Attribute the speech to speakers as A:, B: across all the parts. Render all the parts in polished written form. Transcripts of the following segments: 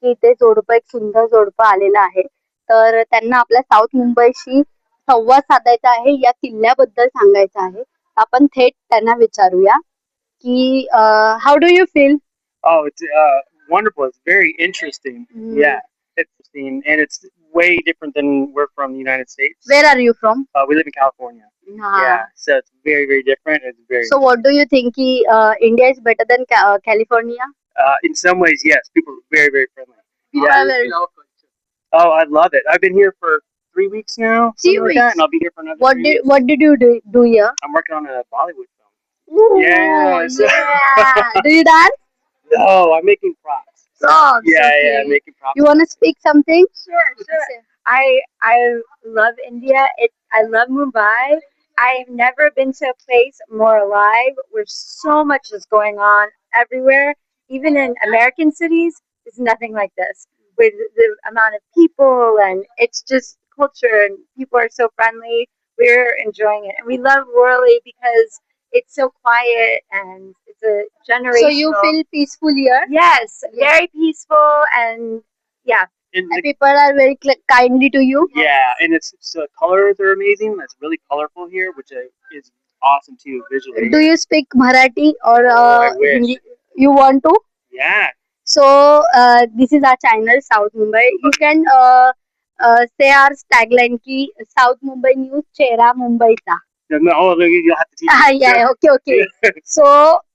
A: की इथे जोडपं एक सुंदर जोडपं आलेलं आहे. तर त्यांना आपल्या साऊथ मुंबईशी संवाद साधायचा आहे, या किल्ल्याबद्दल सांगायचं आहे. आपण थेट त्यांना विचारूया की how do you feel?
B: Oh, it's wonderful. It's very interesting. Yeah, it's interesting, and it's way different than we're from the United States.
A: Where are you from?
B: We live in California. Yeah, so it's very, very different. It's very.
A: So what do you think? India is better than California?
B: In some ways, yes. People are very, very friendly.
A: People are very-
B: Oh, I love it. I've been here for 3 weeks now,
A: 3
B: something like that,
A: weeks.
B: and I'll be here for another.
A: What did you do here?
B: I'm working on a Bollywood film.
A: Ooh,
B: Yes.
A: yeah. Do you dance?
B: No, I'm making props.
A: Props,
B: Yeah,
A: okay.
B: yeah, I'm making props.
A: You want to speak something?
C: Sure. I love India. I love Mumbai. I've never been to a place more alive where so much is going on everywhere. Even in American cities, there's nothing like this. With the amount of people, and it's just culture, and people are so friendly. We're enjoying it, and we love Worli because it's so quiet and it's a generational.
A: So you feel peaceful here?
C: Yes, very peaceful, and yeah.
B: And
A: And people are very kindly to you?
B: yeah, and it's the colors are amazing. It's really colorful here, which is awesome too visually.
A: Do you speak Marathi or
B: I wish.
A: Hindi? You want to?
B: Yeah.
A: So this is our channel South Mumbai. You can say our tagline ki South Mumbai News चेहरा मुंबईचा.
B: No, oh, you'll have to teach me.
A: Yeah, okay. So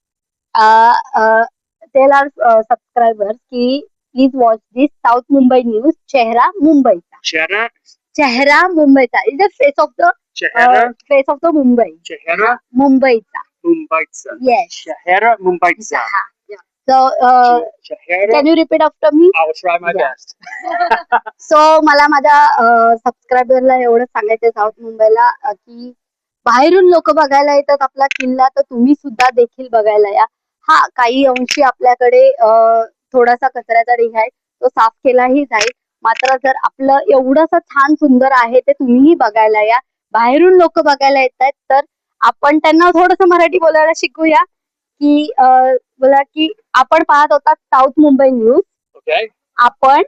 A: tell our subscribers ki please watch this South Mumbai News चेहरा मुंबईचा.
B: Chehra,
A: चेहरा मुंबईचा is the face of the face of the Mumbai.
B: Chehra,
A: मुंबईचा.
B: Mumbaitsa.
A: Yes.
B: Chehra, Mumbaitsa.
A: So
B: Chehra.
A: can you repeat after me?
B: I will try my
A: Yeah.
B: best.
A: सो मला माझ्या सबस्क्रायबरला एवढं सांगायचं south मुंबईला की बाहेरून लोक बघायला येतात आपला किल्ला, तर तुम्ही सुद्धा देखील बघायला या. हा, काही अंशी आपल्याकडे थोडासा कचऱ्याचा ढीग आहे, तो साफ केलाही जाईल. मात्र जर आपलं एवढंसं छान सुंदर आहे ते तुम्हीही बघायला या. बाहेरून लोक बघायला येत आहेत, तर आपण त्यांना थोडंसं मराठी बोलायला शिकूया की बोला की आपण पाहत होता साऊथ मुंबई न्यूज.
B: Okay.
A: आपण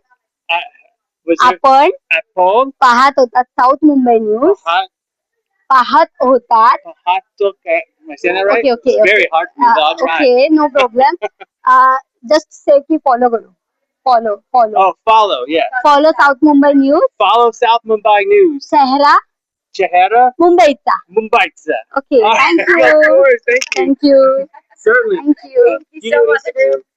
B: Apple.
A: पाहत होतात साऊथ मुंबई न्यूज. पाहत होतात.
B: Okay. Am I saying that right?
A: Okay.
B: It's very hard for me, but I'll try.
A: Okay, no problem. Just say की follow करो. Follow.
B: Oh, follow. Yeah.
A: Follow South Mumbai News.
B: Follow South Mumbai News.
A: चेहरा
B: Chehra,
A: मुंबईचा.
B: Mumbaitsa.
A: Okay,
B: All right.
A: thank
B: Of
A: you.
B: course. Thank you.
A: Thank you.
B: Certainly.
A: Thank you.
C: Thank you so much.